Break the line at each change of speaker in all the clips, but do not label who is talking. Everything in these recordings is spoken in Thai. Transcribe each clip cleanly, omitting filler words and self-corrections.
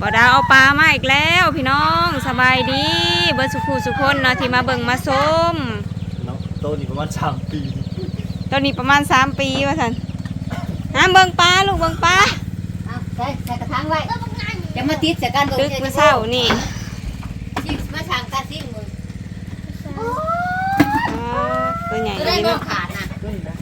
บ่ดาวเอาปลามาอีกแล้วพี่น้องสบายดีเบิร์สุขุสุคนเนาะที่มาเบิ่งมาส้ม
ต้นนี้ประมาณ3 ปี
ต้นนี้ประมาณ3 ปีว่าสันเบิ่งปลาลูกเบิ่งปลา
ใส่กระถางไว้จะมาติดใส่กัน
ตึกเมื่อเช้านี่
มาสั่งกันซิมึง
ตัวใหญ่
ได้มองขาดนะ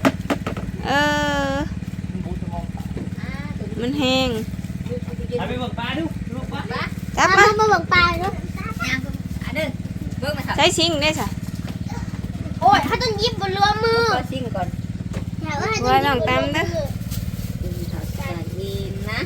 มันแห้ง
ไปเบิ่งปลาดูลูกปลา
จับมา
เบิ่งปลาเนาะ
เบิ่งมาสั่ง
ใช้ชิงได้สะ
โอ้ยถ้าต้องยิบบนรัวมือ
ซิ่งก่อน
ว่าลองตามเด้อ
ยินนะ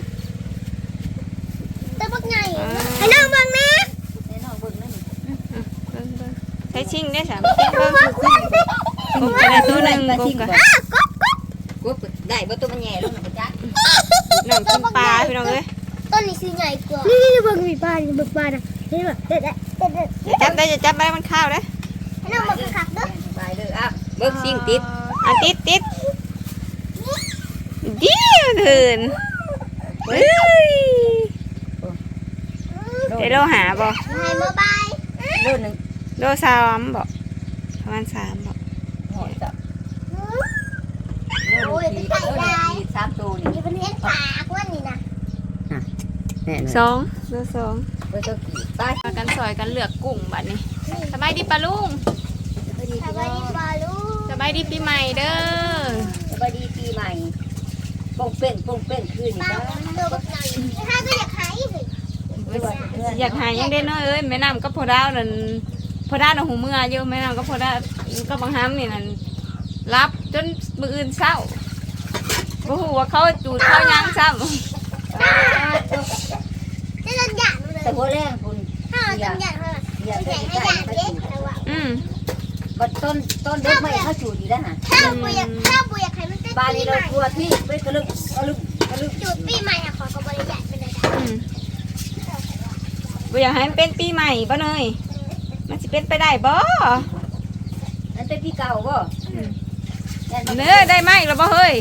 ตัวบักใหญ่ให้น้องเบิ่งนะ
ให้น้องเบิ่งนั่น
ใช้ชิงได้สะกบจะได้ตัวหนึ่งกบกัน
กบได้บ่ตัวมันแย่ลงนะจ๊ะ
น้องกินปลาพี่น้องเอ้ย
ต้นนี้ซื้อใหญ่กว่านี่เบิ่งมีปลาเบิ่งปลานะนี่แบบเด็ด
จับได้จะจับได้มันข้าวได้
ให้น้องเบิ่งขักเด้อ
ไปเด้ออ่ะเบิ่งซิ่งติด
ติดดีถึนเฮ้ยได้โลหาบ่
ให้โมบาย
โลนึง
โล3บ่ประมาณ3บ่
หอยจับ
โอ้ยเป็นไก่ได้
3ตัวนี่
เป็นเห็นปากว่านี่นะ
แน่
2โล2
ไปตัวกี่ไป
มากันซอยกันเลือกกุ้งบัดนี้สบายดีปะลุง
สบายดีปลาลูก
สบายดีปีใหม่เด้อ
สบายดีปีใหม่ป้องเป้งคืนนี่จ้า
ตัวบักใหญ่ถ้าก็อยากหายสิ
อยากหายังได้น้อยเอ้ยแม่น้ำก็พอดาวนั่นพอดาวน่ะหูเมื่อเยอะแม่น้ำก็พอดาวก็บางห้ามนี่นั่นรับจนมื้ออื่นเช้าบ่ฮู้ว่าเขาจูดเขายังซ้ำ
จะโดนหยาดเลย
แต่หัวแรงคุณ
ถ้าโดนหยาดเลยใหญ่ให้หยาดเล็กแต่ว่า
ก็ต้นเด็กไม่เขาจูดดีแล้วฮะ
ถ้าบุยอยากให้มันเต้น
บ้านนี้เรากลัวที่ไปกระลึก
จูดปีใหม่อะขอกระบอกใหญ่เป็นอะไร
บ่อยากให้มันเป็นปีใหม่บ่เนยมันสิเป็นไปได้บ่
นั่นเป็นปีเก่าบ่
เนื้อได้ไหมแล้วบ่เฮ้ย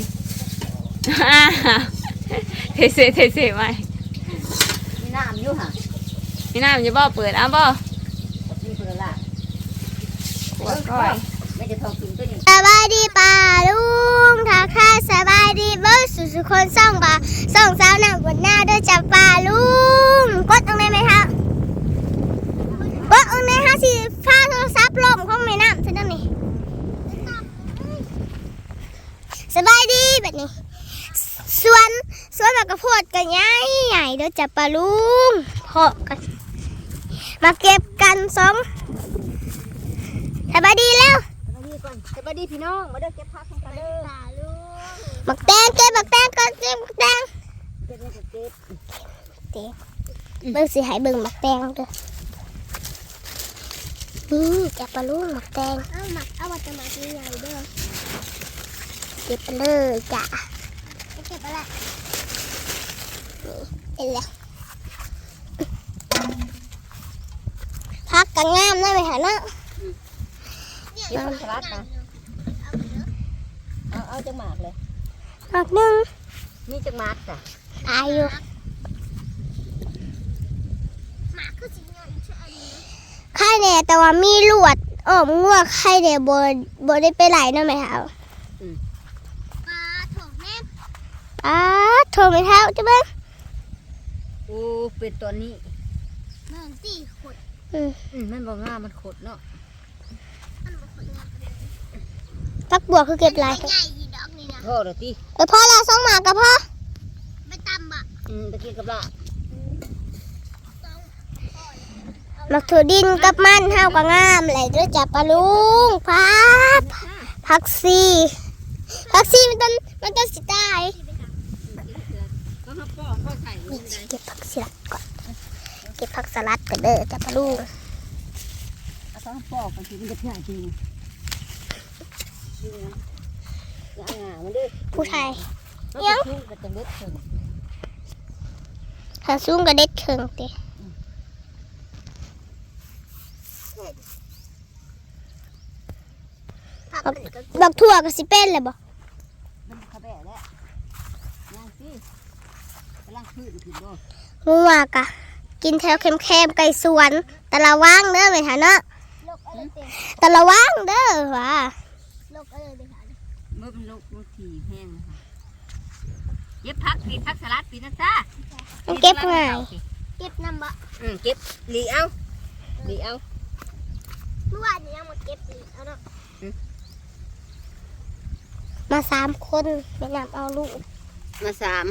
เทไหม
มีน้ำอยู่ฮะ
มีน้ำอยู่บ่เปิดบ่
มีเปิดละ
ขวดก้อย
ไม่จะทองกินตัวนี้
สบายดีป่าลุงถ้าข้าสบายดีเบิ้ลสุดคนส่องบ่าส่องสาวหนังบนหน้าด้วยจับป่าลุงกดตรงไหนไหมคะกดตรงไหนคะสิฟ้าโทรศัพท์ลมของแม่น้ำใช่ไหมนี่สบายดีแบบนี้สวนแบบกระโพดกันใหญ่ด้วยจับป่าลุงเพาะกันมาเก็บกันสองสบายดีแล้ว
สบายดีพี่น้องมาเด้อเก็บผักของกันเด้อ
หมักแตงเก็บหมักแตงก่อนเก็บหมักแตง
เก็บ
เบิ่งสิให้เบิ่งหมักแตงเด้อนี่จับปลาลูกหมักแตงเอามาจะหมักใหญ่เด้อเก็บไปเลยจ้ะเก็บอะไรนี่เอ็นแล้วพักกันงามได้ไหมคะเนาะ
เก็บผักสลัดนะเอาจังหมากเลย
หมักหนึ่ง
มีจังหมากจ้ะ
ตายอยู่ไข่เนี่ยแต่ว่ามีลวดงัวไข่เนี่ยโบได้ไปไหลนั่นไหมคะปลาโถแม่โถไม่เท่าใช่ไหม
โอ้เป็นตัวนี้
มันตีขด
มันบอกง่ามันขดเนาะ
พักบัวคือเก็บลาย
พ่อเดี๋ยวตี
พ่อละสองหมากับพ่อไปตำบะ
ตะกี้กับละ
มักถั่วดินกับมันเท่ากับงามไหลด้วยจับปลาลุงผักซีมันต้นสิตายเก็บผักสลัดก่อนเก็บผักสลัดก่อนเด้อจับปลาลุง
เอาต้องปอกกันสิมันจะง่ายจริง
ผู้ชายยังขาซุ้งกระเด็ดเชิงเตะบักถั่วกับสิเป็นเลยบ่งัวกะกินแถวแคมๆไก่สวนแต่ละว่างเด้อไหมคะเนาะแต่ละว่างเด้อว่ะ
มือมันลูกมือถี่แห้งนะคะเก็บผักปีผักสลัดปีนะจ้า
มันเก็บง่ายเก็บน้ำบะ
เก็บหลีเอาหลีเอา
เมื่อวานนี้ยังมาเก็บอีกเอาเนาะมา3 คนไปนำเอาลูก
มา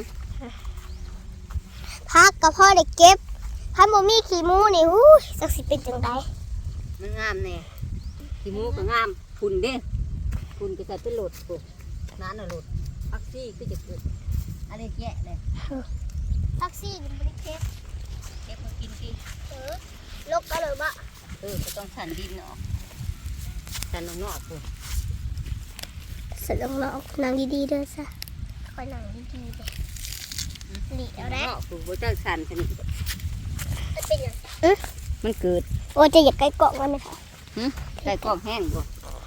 พักกับพ่อได้เก็บพันโมมี่ขี้มูนี่หู้สักสิเป็นจังได
มันงามแน่ขี้มูก็งามฝุ่นเด้ฝุ่นก็จะเป็นโหลดปุ๊บน้ำน่ะโหลดพักซี่ก็จะเกิดอะไรแยะเลย
พักซี่มันไม่ได้เก็บ
เก็บมากินกิน
ลกก็เลยบะ
ก็ต้องสั่นดินออกสั่นนอกปุ๊บ
สลงนอกนางดีๆเด้อซะคอยนางดีๆเด้อหลีเอาได้
นอกปุ๊บโบจ้าสั่นสนิท
มันเป็นยัง
มันเกิด
โอ้จะอยากใกล้เกาะมันไหมคะ
ใส่กล้องแห้งบ่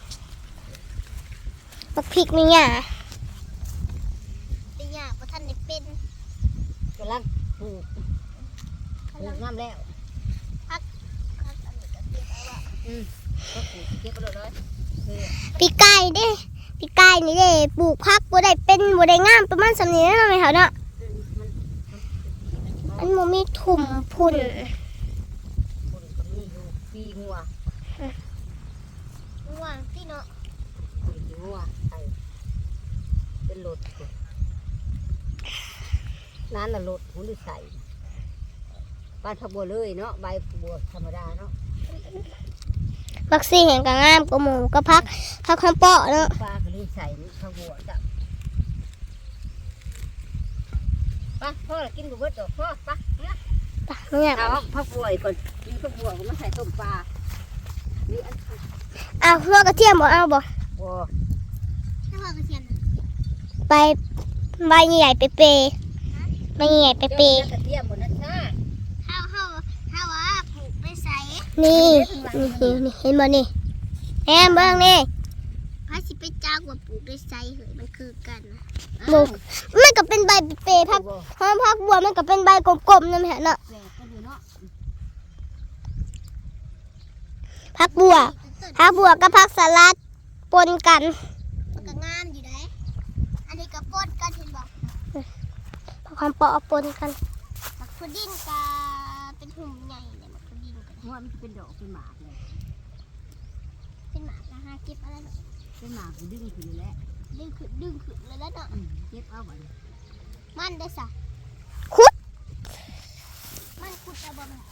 ปักพริกนี่หยาเป็นหยาเพราะท่านได้เป็น
กำลังปลูกน้ำแล้วก็ปลูกเก็บไปเลย
ปีกายเด้ปีกายนี่เด้ปลูกพักบัได้เป็นบัได้งามประมาณสำนี้นะไหมคะเนาะอันโมมีถุ่มพุ่น
ปีงัว
ว่างที่เนาะ
ปีงัวใส่เป็นโหลดน้ำน่ะโหลดหุ่นใส่ปลาทับบัวเลยเนาะใบบัวธรรมดาเนาะ
วัคซีนแห่งกางามกระหมูกระพักคำเปาะเนาะ
ปลาก็เลยใส่ทับบัวจ้ะปลาพ่อกินกับเบิดดอกพ่อปลาเนี่ย
เนี่ย
เอาผักบัวก่อนมีผักบัวก็มาใส่ต้มปลานี่อัน
เอาหัวกระเทียมบ่เอาบ่
บัว
หัวกระเทียมไปใบใหญ่ๆเปย์ใบใหญ่ๆเปย์
กระเทียมหมดนะจ้า
ถ้าว่าปลูกไปใส่นี่เห็นบ่นี่แอมเบิ่งนี่พาสิไปจ้างว่าปลูกไปใส่เหยมันคือกันบุกมันก็เป็นใบเปย์พักพักบัวมันก็เป็นใบกลมๆนั่นแหละเนาะ
แหวกกันอยู่เนาะ
พักบัวกับพักสลัดปนกันมันก็งามอยู่ได้อันนี้ก็ปนกันเห็นบ่ความเปาะปนกันมักพุดดิ้งก็เป็นหุ่มใหญ่เลยมักพุดดิ้งก็
หัวมันเป็นดอกเป็นหมากเลย
เป็นหมากนะฮะเก็บอะไรเนาะ
เป็นหมากก็ดึงขึ้นแล้ว
ดึงขึ้นเลยแล้วเนาะ
เก็บเอาไว้
มันได้สะขุดมันขุดเอาบ่มา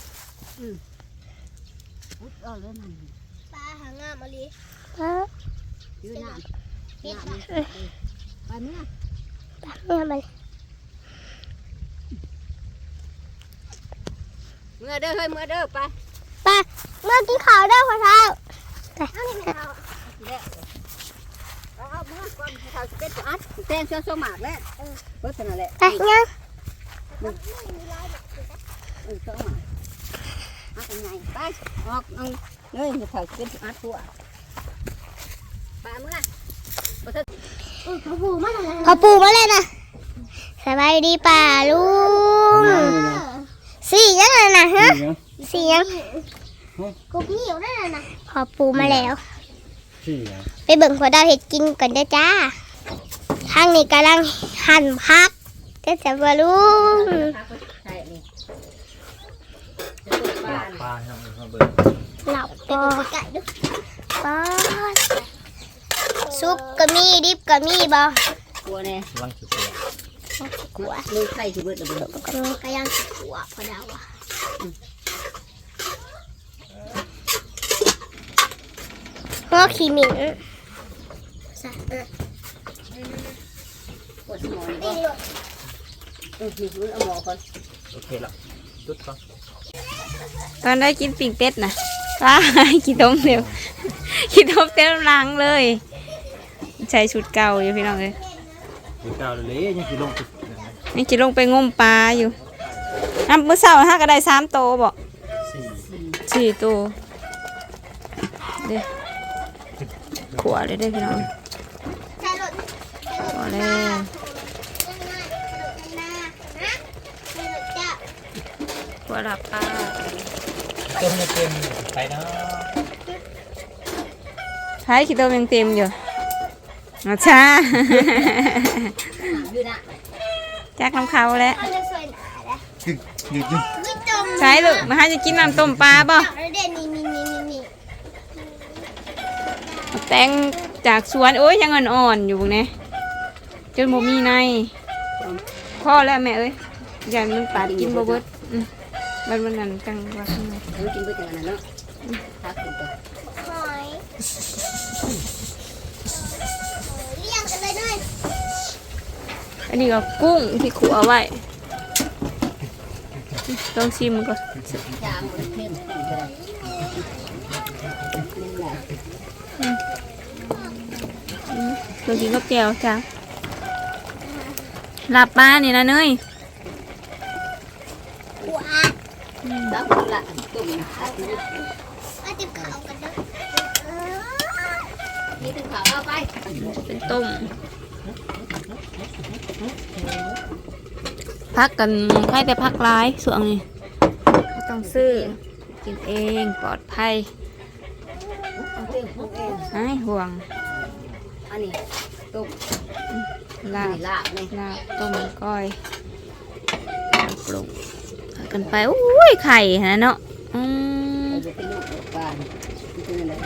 พุดเอาเลยมัน
ปลาหางามอะไร
ยืนน้ำ
เฮ็ด
น้ำ
บ่
ไปเมื่อ
เนี่ยมัน
เมื่อเด้อเฮ้ยเมื่อเด้อไป
ปลาเมื่อกินข้าวได้พ่อเท้าเอานี่ไม่เอา
แล้วเอาเมื่อก่อนเขาเป็นตัวอัดแตงเชื้อโซหมากแล้วเพิ่นนั่นแหละ
ไปยัง
เชื้อหมากอัดยังไงไปออกเอาเงยเขาเป็นตัวอัดตัวไปเมื่อ
เขาปูมาเลยนะสบายดีป่าลุงสี่ยังไงนะฮะสี่ยังกุ๊กหิวได้เลยนะขอปูมาแล้วไปเบิ่งพอดาวเห็ดกินก่อนเด้อจ้าทางนี้กำลังหั่นพักเด้อจ้าป่าลุง
ใช่นี่
ปลาเนาะมาเบิ่ง
หลับปอปอซุปก็มีดิบก็มีบ่
กลัวแน่
ลังสุดเลย
กลัวมือใครที่เบิดระเบิด
ก็มีก็ยังขัวพอดาวอ่ะหัวขี้หมิ่น
ปวดสมองก็มีรุ่นเอาหมอก่อน
โอเคละจุดก่อน
ตอนได้กินปิ่งเป็ดนะว้าขี้ต้มเดียวขี้ต้มเต็มรังเลยใช้ชุดเก่าอยู่พี่น้องเลย
ดูเก่าเลยยังสิลงจุด
นี่จะลงไปงมปลาอยู่น้ำมื้อเช้าฮะก็ได้3 โตบอก 4 โตเด้ขวเลยได้พี่น้องขวเลยขัวหลับปลา
ต้มจะเต็มไปเนาะ
ใช้ขี้ต้มยังเต็มอยู่อาชา
อยู่นะ
จักน้ำเขาแล้ว
เอาจะสวยหนาแล้ว
ยืด
ไม่จม
ใช้ลูกมาให้จะกินน้ำต้มปลาบ่
เอาเด่นนี่
แตงจากสวนโอ้ยยังอ่อนๆอยู่เนี่ยจนบ่มีในพ่อแล้วแม่เอ้ยอย่ามันปาดกินบ่เบิดมันนั่นจังว่าข้างใน
เออกินไปจังนั้นเนาะถ้ากินก็
หอยเลี้ยงกันเลยด้วย
อันนี้ก็กุ้งที่ขัวเอาไว้ลองชิมก่อน
จางมันเข้มกินก็ได้นี่แหละ
ลองกินกับแก้วจ้าหลับปลานี่นะเนย
หัว
ดับละตุ่มตัดนี่
เอาติบเขากันด้วย
นี่ถึงขาวเอาไป
เป็นต้มพักกันใครแต่พักร้ายส่วนนี้ไม่ต้องซื้อกินเองปลอดภัย
เอาเต็มพวกเอง
หายห่วง
อันนี้ตุ่ม
ลาบ
นี่ลาบนี่
ลาบต้มก้อยปรุงพากันไปอุ้ยไข่ฮะเนาะ
เราจะไปลูกบ้านที่ตรงนั้น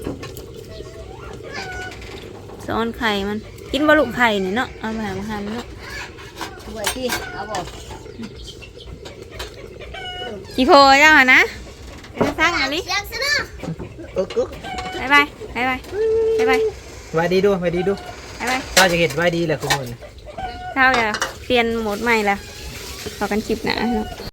ซ้อนไข่มันกินบะลุไข่เนี่ยเนาะเอาไปหามาหั่นเนาะ
ด้วยที่เอาบอก
กี่โพเจ้าหะนะเป็นสร้างอะไร
เลี้ยงซะเนาะ
กึก
บายบายบายบายบายบาย
ไว้ดีดูไว้ดีดู
บายบาย
ถ้าจะเห็นไว้ดีแหละคุณคน
เข้าอย่าเปลี่ยนโหมดใหม่ละต่อกันคลิปหนะเนาะ